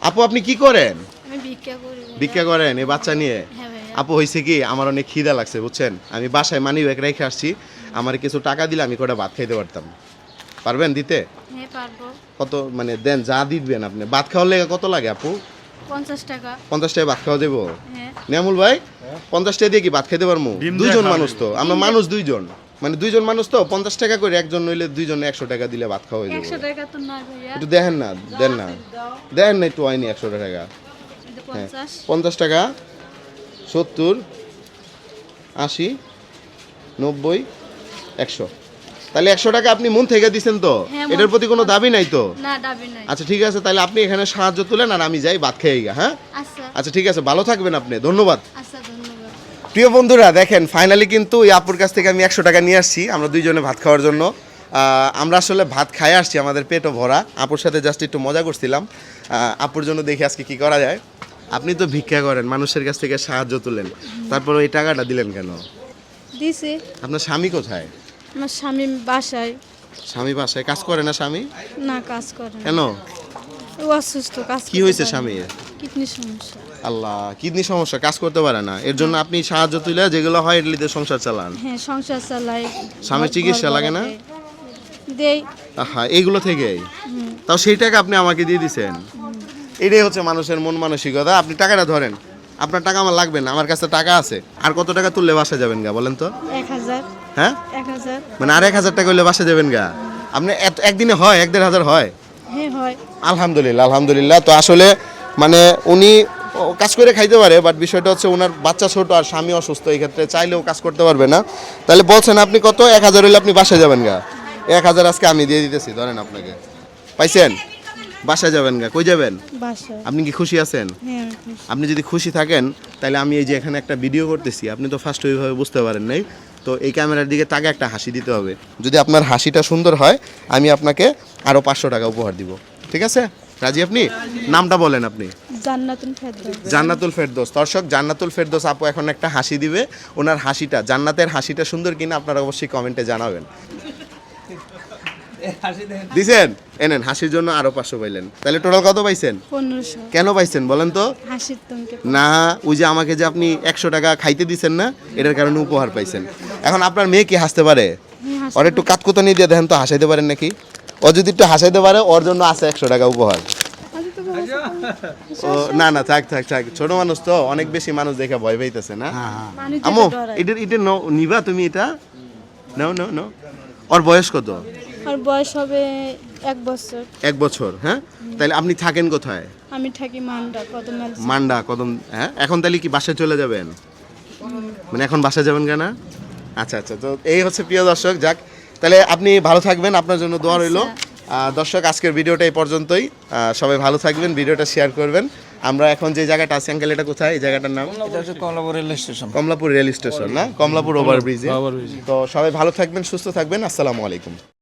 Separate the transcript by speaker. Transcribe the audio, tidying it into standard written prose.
Speaker 1: আপু আপনি কি করেন?
Speaker 2: আমি ভিক্ষা করি।
Speaker 1: ভিক্ষা করেন এই বাচ্চা নিয়ে?
Speaker 2: হ্যাঁ ভাইয়া।
Speaker 1: আপু হয়েছে কি, আমার অনেক খিদা লাগছে বুঝছেন, আমি বাসায় মানি ব্যাগ রেখে আসছি, আমার কিছু টাকা দিলে আমি কটা ভাত খাইতে পারতাম। পারবেন দিতে?
Speaker 2: হ্যাঁ পারবো।
Speaker 1: কত মানে দেন, যা দিবেন আপনি। ভাত খাওয়ার লেগে কত লাগে আপু?
Speaker 2: 50 টাকা।
Speaker 1: 50 টাকা ভাত খাওয়া দেবো?
Speaker 2: হ্যাঁ।
Speaker 1: নিয়ামুল ভাই 50 টাকা দিয়ে কি ভাত খেতে পারবো? দুইজন মানুষ তো আমরা, মানুষ দুইজন, মানে দুইজন মানুষ তো 50 টাকা করে, একজন নইলে দুইজনে 100 টাকা দিলে ভাত খাওয়া হয়ে
Speaker 2: 100
Speaker 1: যাবে।
Speaker 2: টাকা তো নয় ভাইয়া।
Speaker 1: একটু দেখেন না, দেন না, দেন না একটু হয়নি 100 টাকা।
Speaker 2: এটা
Speaker 1: হ্যাঁ
Speaker 2: 50।
Speaker 1: 50 টাকা, 70, 80, 90, 100। তাহলে 100 টাকা আপনি মন থেকে দিচ্ছেন তো?
Speaker 2: হ্যাঁ,
Speaker 1: এটার প্রতি কোনো দাবি নাই তো?
Speaker 2: না দাবি নাই।
Speaker 1: আচ্ছা ঠিক আছে, তাহলে আপনি এখানে সাহায্য তুলেন আর আমি যাই ভাত খেয়ে গা। হ্যাঁ
Speaker 2: আচ্ছা
Speaker 1: আচ্ছা ঠিক আছে, ভালো থাকবেন আপনি, ধন্যবাদ।
Speaker 2: আচ্ছা ধন্যবাদ।
Speaker 1: প্রিয় বন্ধুরা দেখেন, ফাইনালি কিন্তু এই আপুর কাছ থেকে আমি 100 টাকা নিয়ে আসছি আমরা দুইজনে ভাত খাওয়ার জন্য। আমরা আসলে ভাত খাই আসছি, আমাদের পেটও ভরা। আপুর সাথে জাস্ট একটু মজা করছিলাম। আপুর জন্য দেখি আজকে কি করা যায়। আপনি তো ভিক্ষা করেন, মানুষের কাছ থেকে সাহায্য তুলেন, তারপর ওই টাকাটা দিলেন কেন?
Speaker 2: দিছি।
Speaker 1: আপনার স্বামী কোথায়?
Speaker 2: আমার স্বামী বাসায়।
Speaker 1: স্বামী বাসায় কাজ করে না স্বামী?
Speaker 2: না কাজ করে না।
Speaker 1: কেন?
Speaker 2: ও অসুস্থ, কাজ
Speaker 1: কি হয়েছে স্বামীর?
Speaker 2: কিডনি সমস্যা।
Speaker 1: আল্লাহ, কিডনি সমস্যা, কাজ করতে পারে না, এর জন্য আপনি সাহায্য তুলে যেগুলো হয় এগুলিতে সংসার চালান।
Speaker 2: হ্যাঁ সংসার চালাই।
Speaker 1: স্বামীর চিকিৎসা লাগে না?
Speaker 2: দেই।
Speaker 1: হ্যাঁ এইগুলো থেকেই। তাও সেই টাকা আপনি আমাকে দিয়ে দিছেন। এটাই হচ্ছে মানুষের মন মানসিকতা। আপনি টাকাটা ধরেন, আপনার টাকা আমার লাগবে না, আমার কাছে টাকা আছে। আর কত টাকা তুললে বাসা যাবেন গা বলেন তো?
Speaker 2: 1000।
Speaker 1: হ্যাঁ
Speaker 2: 1000।
Speaker 1: মানে আর 1000 টাকা হইলে বাসা যাবেন গা? আপনি একদিনে হয় 1-1.5 হয়?
Speaker 2: হ্যাঁ হয়।
Speaker 1: আলহামদুলিল্লাহ আলহামদুলিল্লাহ। তো আসলে মানে উনি কাজ করে খাইতে পারে, বাট বিষয়টা হচ্ছে ওনার বাচ্চা ছোট আর স্বামী অসুস্থ, এই ক্ষেত্রে চাইলেও কাজ করতে পারবে না। তাহলে বলছেন আপনি কত 1000 হইলে আপনি বাসায় যাবেন গা? 1000 আজকে আমি দিয়ে দিতেছি, ধরেন আপনাকে। পাইছেন? বাসায় যাবেন গা। কই যাবেন?
Speaker 2: বাসায়।
Speaker 1: আপনি কি খুশি আছেন?
Speaker 2: হ্যাঁ আমি খুশি।
Speaker 1: আপনি যদি খুশি থাকেন তাহলে আমি এই যে এখানে একটা ভিডিও করতেছি, আপনি তো ফার্স্ট ওইভাবে বুঝতে পারেন নাই, তো এই ক্যামেরার দিকে তাকে একটা হাসি দিতে হবে। যদি আপনার হাসিটা সুন্দর হয় আমি আপনাকে আরও 500 টাকা উপহার দিব। ঠিক আছে? রাজি আপনি? নামটা বলেন আপনি।
Speaker 2: জান্নাতুল ফেরদৌস।
Speaker 1: জান্নাতুল ফেরদৌস। দর্শক, জান্নাতুল ফেরদৌস আপু এখন একটা হাসি দিবে। ওনার হাসিটা, জান্নাতের হাসিটা সুন্দর কিনা আপনারা অবশ্যই কমেন্টে জানাবেন। দিছেন? এনেন, হাসির জন্য আরো 500 পাইলেন। তাহলে টোটাল কত পাইছেন?
Speaker 2: 1500।
Speaker 1: কেন পাইছেন বলেন তো?
Speaker 2: হাসির তোমাকে।
Speaker 1: না, ওই যে আমাকে যে আপনি 100 টাকা খাইতে দিছেন না, এটার কারণে উপহার পাইছেন। এখন আপনার মেয়ে কি হাসতে পারে? ওর একটু কাতকুতানি দিয়ে দেখেন তো, হাসাইতে পারেন নাকি? ও যদি একটু হাসাইতে পারে, ওর জন্য আছে 100 টাকা উপহার। ও না না, থাক থাক থাক, ছোট মানুষ তো, অনেক বেশি মানুষ দেখে ভয় পাইতেছে না। আমো এটা এটা নিবা তুমি, এটা নাও নাও নাও। ওর বয়স কত?
Speaker 2: আর বয়স হবে 1 বছর।
Speaker 1: 1 বছর। হ্যাঁ, তাহলে আপনি থাকেন কোথায়?
Speaker 2: আমি থাকি মান্ডা কদমাল।
Speaker 1: মান্ডা কদম। হ্যাঁ, এখন তাহলে কি বাসায় চলে যাবেন? মানে এখন বাসায় যাবেন কেন? আচ্ছা আচ্ছা, তো এই হচ্ছে প্রিয় দর্শক। যাক, তাহলে আপনি ভালো থাকবেন, আপনার জন্য দোয়া রইল। দর্শক, আজকের ভিডিওটা এই পর্যন্তই। সবাই ভালো থাকবেন, ভিডিওটা শেয়ার করবেন। আমরা এখন যে জায়গাটা আছি, আঙ্কেল এটা কোথায়? এই জায়গাটার নাম?
Speaker 3: এটা হচ্ছে Kamalapur rail station.
Speaker 1: Kamalapur rail station না, কমলাপুর ওভারব্রিজে। তো সবাই ভালো থাকবেন, সুস্থ থাকবেন। আসসালামু আলাইকুম।